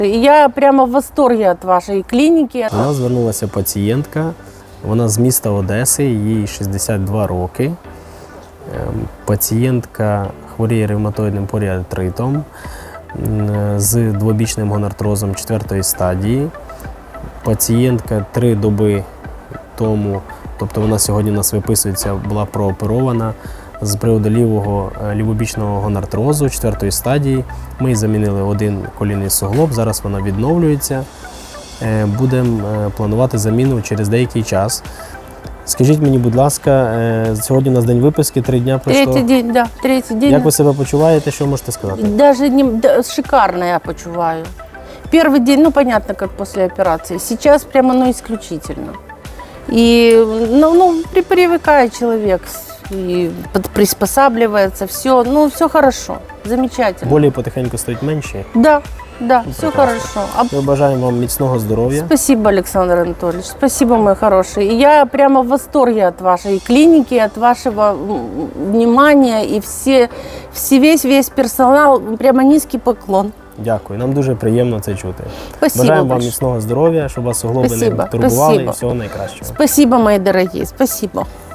Я прямо в восторге от вашей клиники. До нас звернулася пацієнтка, вона з міста Одеси, їй 62 роки. Пацієнтка хворіє ревматоїдним поріартритом з двобічним гонартрозом 4-ї стадії. Пацієнтка 3 доби тому, тобто вона сьогодні у нас виписується, була прооперована з приводу лівобічного гонартрозу 4-ї стадії. Ми їй замінили один колінний суглоб, зараз вона відновлюється. Будемо планувати заміну через деякий час. Скажіть мені, будь ласка, сьогодні у нас день виписки, 3 дня пройшло. Третий день, да, третий день. Як ви себе почуваєте, що можете сказати? Даже шикарно я почуваю. Первый день, ну понятно, как после операции. Сейчас прямо, ну, исключительно. И, привыкает человек, и приспосабливается, все, ну, все хорошо, замечательно. Болі потихеньку стають менші. Да, все прекрасно. хорошо. Ми бажаємо вам міцного здоров'я. Спасибо, Александр Анатольевич, спасибо, мой хороший. И я прямо в восторге от вашей клиники, от вашего внимания, и весь персонал, прямо низкий поклон. Дякую, нам дуже приємно це чути. Спасибо Бажаємо вам большое. міцного здоров'я, щоб вас суглоби не Спасибо, турбували і спасибо. всього найкращого. Спасибо, мои дорогие, спасибо.